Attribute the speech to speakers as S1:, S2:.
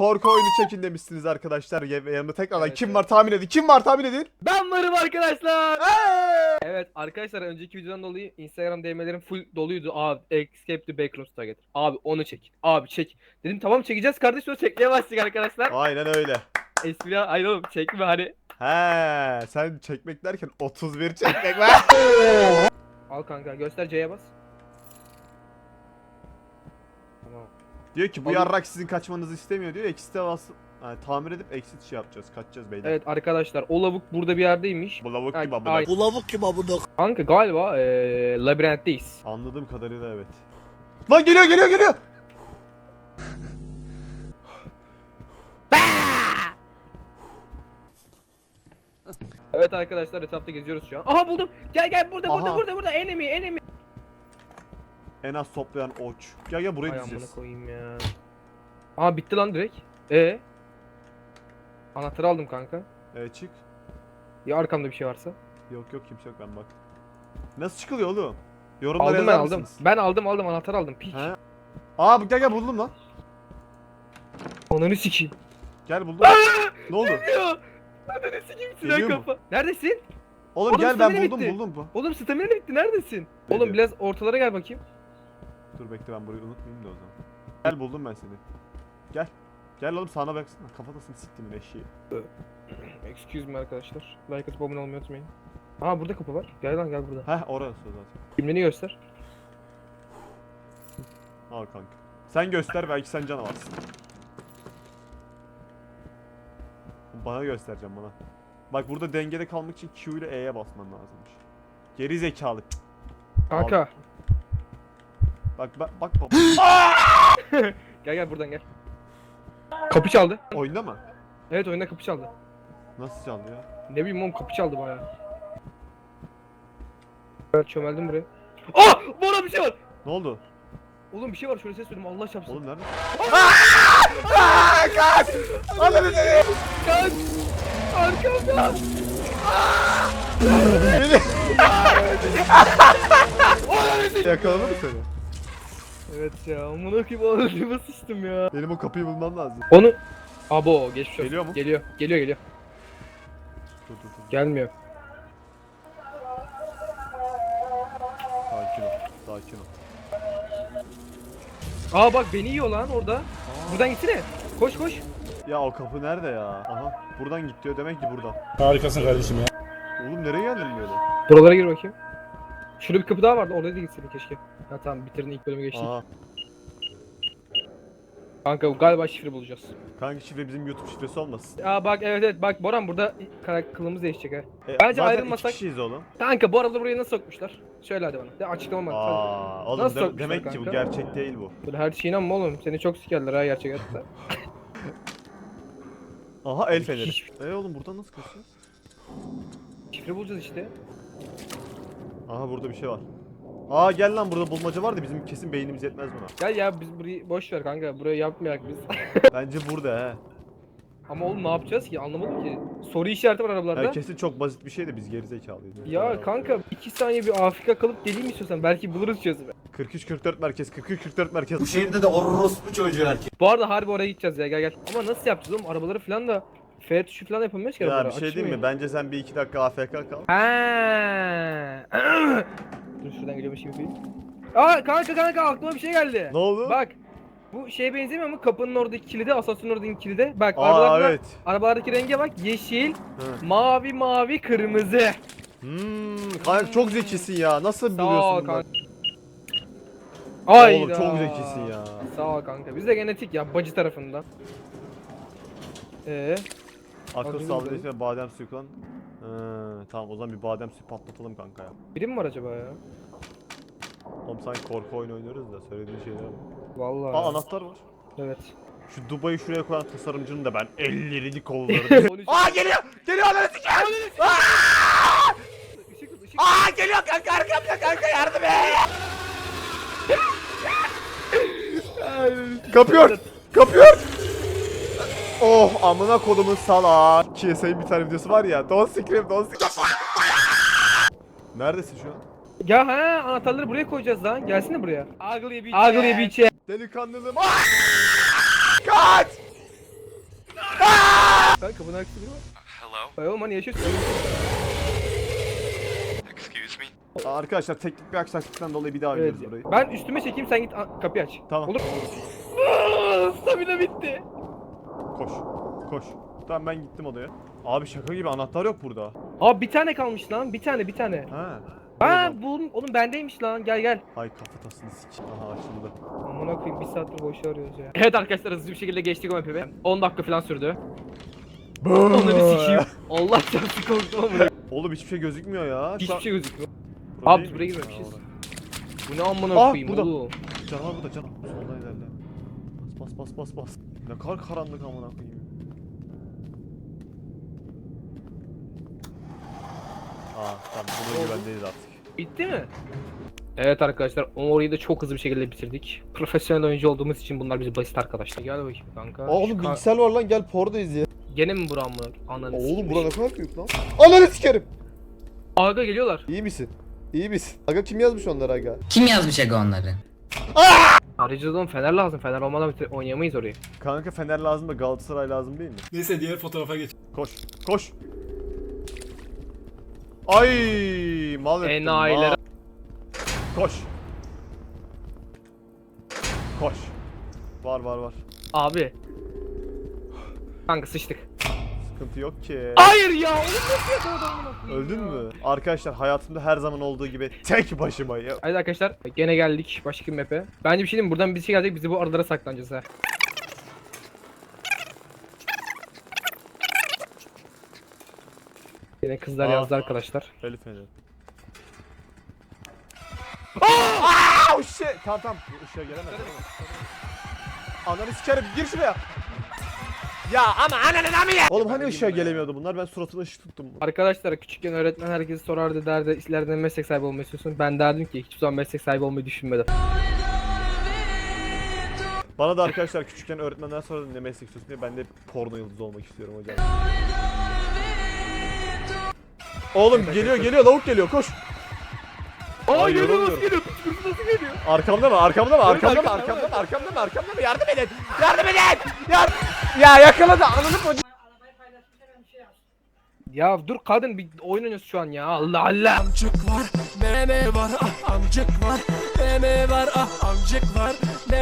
S1: korku oyunu çekin demişsiniz arkadaşlar. Yanımda tekrardan kim var tahmin edin. Kim var tahmin edin.
S2: Ben varım arkadaşlar.
S1: Hey!
S2: Evet arkadaşlar, önceki videodan dolayı Instagram DM'lerim full doluydu. Abi Escape the Backrooms Target. Abi onu çek. Abi çek. Dedim tamam çekeceğiz kardeş, sonra çekmeye başladık arkadaşlar.
S1: Aynen öyle.
S2: Espri hayır oğlum, çekme hani.
S1: He, sen çekmek derken 31 çekmek var.
S2: Al kanka, göster, C'ye bas. Tamam.
S1: Diyor ki bu
S2: Oğlum-
S1: yarrak sizin kaçmanızı istemiyor diyor. Exit'e basıp tamir edip exit şey yapacağız. Kaçacağız beyler.
S2: Evet arkadaşlar, o lavuk burada bir yerdeymiş.
S1: Bu lavuk
S2: Ay-
S1: gibi abone.
S2: ay-
S3: Bu lavuk kim abone?
S2: Kanka galiba labirentteyiz.
S1: Anladığım kadarıyla evet. Lan geliyor geliyor geliyor.
S2: Evet arkadaşlar, etrafta geziyoruz şu an. Aha buldum. Gel gel, burada
S1: Aha.
S2: burada enemy.
S1: En az toplayan oç. Gel gel buraya
S2: Ay amına
S1: dizeceğiz.
S2: koyayım ya. Aa bitti lan direkt. Anahtarı aldım kanka.
S1: Evet çık.
S2: Ya arkamda bir şey varsa.
S1: Yok yok kimse yok ben bak. Nasıl çıkılıyor oğlum? Yorumlara
S2: Aldım ben
S1: yazar
S2: aldım.
S1: mısınız?
S2: Ben aldım anahtarı aldım. Piç.
S1: He? Aa gel gel buldum lan.
S2: Ananı sikeyim.
S1: Gel buldum. Ne oldu?
S2: Ya. Ananı sikeyim silah
S1: Geliyor mu?
S2: kafa. Neredesin?
S1: Oğlum
S2: Oğlum,
S1: gel ben
S2: stamina
S1: buldum
S2: bitti.
S1: buldum bu.
S2: Oğlum stamina bitti, neredesin?
S1: Ne
S2: Oğlum
S1: diyor?
S2: biraz ortalara gel bakayım.
S1: Dur bekle ben burayı unutmayayım da o zaman. Gel buldum ben seni. Gel. Gel oğlum sana baksana. Kafatasını siktimin eşeği.
S2: Excuse me arkadaşlar. Like atıp abone olmayı unutmayın. Aa burada kapı var. Gel lan gel burada.
S1: Heh orası zaten.
S2: Kimliğini göster.
S1: Al kanka. Sen göster belki sen canavarsın. Bana göstereceğim bana. Bak burada dengede kalmak için Q ile E'ye basman lazımmış. Geri zekalı.
S2: Kanka.
S1: Bak bak.
S2: Gel gel buradan gel. Kapı çaldı.
S1: Oyunda mı?
S2: Evet, oyunda kapı çaldı.
S1: Nasıl çaldı ya?
S2: Ne bileyim oğlum, kapı çaldı bayağı. Evet, çömeldim buraya. Ah! Bora bir şey var.
S1: Ne oldu?
S2: Oğlum bir şey var, şöyle ses duydum, Allah çarpsın.
S1: Oğlum nerede? Kaç! Ananı seni!
S2: Kaç! Arkamda!
S1: Yakaladı mı seni?
S2: Evet ya, amına koyayım, ağzıma sıçtım ya.
S1: Benim o kapıyı bulmam lazım.
S2: Onu... Abo, geçmiş olsun.
S1: Geliyor mu?
S2: Geliyor.
S1: Dur.
S2: Gelmiyor.
S1: Sakin ol.
S2: Aa bak, beni yiyor lan orada. Buradan gitsene. Koş.
S1: Ya o kapı nerede ya? Aha buradan git diyor demek ki buradan.
S3: Harikasın kardeşim ya.
S1: Oğlum nereye geldin böyle?
S2: Buralara gir bakayım. Şurada bir kapı daha vardı, oraya da gitseydin keşke. Ha tamam, bitirdin, ilk bölümü geçtik.
S1: Aha.
S2: Kanka galiba şifre bulacağız.
S1: Kanka şifre bizim YouTube şifresi olmasın.
S2: Aa bak, evet bak Boran, burada kılımız değişecek ha. Bence
S1: zaten
S2: ayrılmasak-
S1: iki kişiyiz oğlum.
S2: Kanka bu arada burayı nasıl sokmuşlar? Söyle hadi bana. De açıklama bak.
S1: Aa, oğlum
S2: Nasıl sokmuşlar
S1: demek ki bu
S2: kanka?
S1: gerçek değil bu.
S2: Böyle her şeyine inanma oğlum. Seni çok sikerler ha gerçek hayatta.
S1: Aha el feneri.
S2: Hiç-
S1: Oğlum buradan nasıl kaçacağız?
S2: Şifre bulacağız işte.
S1: Aha burada bir şey var. Aa gel lan burada bulmaca var da bizim kesin beynimiz yetmez buna.
S2: Gel ya, biz burayı boş ver kanka. Burayı yapmayak biz.
S1: Bence burada he.
S2: Ama oğlum ne yapacağız ki? Anlamadım ki. Soru işareti var arabalarda.
S1: Yani kesin çok basit bir şey de biz gerizekalıyız.
S2: Ya kanka 2 saniye bir Afrika kalıp geleyim istiyorsan belki buluruz çözümü.
S1: 43-44 merkez, 43-44 merkez.
S3: Bu şehirde de orospu çocuğu erkek.
S2: Bu arada harbi oraya gideceğiz ya, gel. Ama nasıl yapacağız oğlum? Arabaları falan da F tuşu falan yapamıyoruz ki
S1: Ya
S2: arabalara.
S1: bir şey diyeyim mi? Bence sen bir iki dakika AFK kal.
S2: Ha. Dur şuradan geliyormuş gibi yapayım. Aa kanka aklıma bir şey geldi.
S1: Ne oldu?
S2: Bak. Bu şeye benzemiyor mu? Kapının oradaki kilide, asansörün oradaki kilide. Bak
S1: Aa evet.
S2: arabalardaki renge bak. Yeşil,
S1: Hı.
S2: mavi, kırmızı.
S1: Kanka çok zekisin ya. Nasıl
S2: Sağ ol
S1: buluyorsun bunları?
S2: kanka. Hayda.
S1: Oğlum çok zekisin ya.
S2: Sağ ol kanka. Biz de genetik ya, bacı tarafından.
S1: Akıl
S2: Alayım
S1: sağlığı
S2: burayı.
S1: için badem suyu kullan. Tamam o zaman bir badem suyu patlatalım kanka ya.
S2: Biri mi var acaba ya?
S1: Oğlum sanki korku oyunu oynuyoruz da söylediğin şeyler var.
S2: Vallahi.
S1: Aa anahtar var.
S2: Evet.
S1: Şu Dubai'yi şuraya koyan tasarımcının da ben ellerini kollarını.
S2: 13.
S1: Aa geliyor! Geliyor ananı sikeyim!
S2: Işık.
S1: Aa geliyor kanka arkamda kanka yardım et! Kapıyor! Kapıyor! Oh amına kodumun salak. KSA'nın bir tane videosu var ya. Don't scream. Neredesin şu an?
S2: Ya ha, anahtarları buraya koyacağız lan. Gelsene buraya. Ugly bitch.
S1: Delikanlılığım. Kaç!
S2: Kanka kapının arkasında biri var.
S4: Hello?
S2: Ay oğlum hani yaşıyorsun.
S4: Excuse me?
S1: Arkadaşlar teknik bir aksaklıktan dolayı bir daha
S2: Evet.
S1: oynuyoruz burayı.
S2: Ben üstüme çekeyim sen git kapıyı aç.
S1: Tamam.
S2: Olur. Stamina bitti.
S1: Koş. Koş. Tamam ben gittim odaya. Abi şaka gibi anahtar yok burada.
S2: Abi bir tane kalmış lan. Bir tane.
S1: Ha.
S2: Ha buldum. Oğlum bendeymiş lan. Gel.
S1: Ay kafatasını sik. Aha açıldı.
S2: Amına koyayım bir saattir boş arıyoruz ya. Evet arkadaşlar hızlı bir şekilde geçtik o map'i. 10 dakika falan sürdü. Onları sikeyim. Allah çarptı korktum amına.
S1: Oğlum hiçbir şey gözükmüyor ya. Şu
S2: Hiçbir
S1: an-
S2: şey gözükmüyor.
S1: Burada
S2: Abi
S1: değil
S2: buraya
S1: mi?
S2: girmemişiz.
S1: Ha, orada.
S2: Bu ne amına
S1: Ah,
S2: koyayım
S1: burada.
S2: oğlum.
S1: Canavar burada canavar. Soldan ilerle. Bas. Ne kadar karanlık amına koyayım. Tamam buna güvendeyiz artık.
S2: Bitti mi? Evet arkadaşlar orayı da çok hızlı bir şekilde bitirdik. Profesyonel oyuncu olduğumuz için bunlar bize basit arkadaşlar. Gel bakayım kanka.
S5: Oğlum
S2: Şu
S5: bilgisayar var lan gel porno izle.
S2: Gene mi buram mı? Ananı
S5: Oğlum
S2: sikeyim.
S5: bura ne kadar büyük lan. Ananı sikerim.
S2: Aga geliyorlar.
S5: İyi misin? İyi misin? Aga kim yazmış onları aga?
S6: Kim yazmış Ego onları?
S2: Ayrıca Fener lazım. Fener olmadan oynayamayız orayı.
S1: Kanka Fener lazım da Galatasaray lazım değil mi?
S3: Neyse diğer fotoğrafa geç.
S1: Koş. Ay mal ettim.
S2: Enayiler.
S1: mal. Koş. Var.
S2: Abi. Kanka sıçtık.
S1: Sıkıntı yok ki.
S2: Hayır ya. Oğlum nasıl yakaladı amına koyayım
S1: Öldün
S2: ya?
S1: mü? Arkadaşlar hayatımda her zaman olduğu gibi tek başıma ya.
S2: Haydi arkadaşlar gene geldik başka bir map'e. Bence bir şey diyeyim mi? Buradan bir şey gelecek bizi bu aralara saklanacağız ha. Yine kızlar
S1: Aa.
S2: yazdı arkadaşlar.
S1: Elif Fener. Aaa! Shit! Tamam. Işığa gelemez. Ananı sikerim. Gir şuraya. Ya ama ananı mı ya? Oğlum hani ışığa gelemiyordu bunlar? Ben suratına ışık tuttum.
S2: Arkadaşlar küçükken öğretmen herkesi sorardı derdi ileride meslek sahibi olmayı istiyorsun. Ben derdim ki hiçbir zaman meslek sahibi olmayı düşünmedim.
S1: Bana da arkadaşlar küçükken öğretmenler sorardı ne meslek istiyorsun diye. Ben de porno yıldızı olmak istiyorum hocam. Oğlum geliyor lavuk geliyor koş.
S2: Aa geliyor
S1: yorulmuyorum.
S2: nasıl geliyor? Kuşkurusu nasıl geliyor?
S1: Arkamda mı?
S2: arkamda.
S1: Yardım edin. Ya yakaladı ananı koca.
S2: Ya dur kadın bir oyun oynuyoruz şu an ya. Allah Allah.
S3: Amcık var, meme var, ah amcık var, meme var, ah amcık var.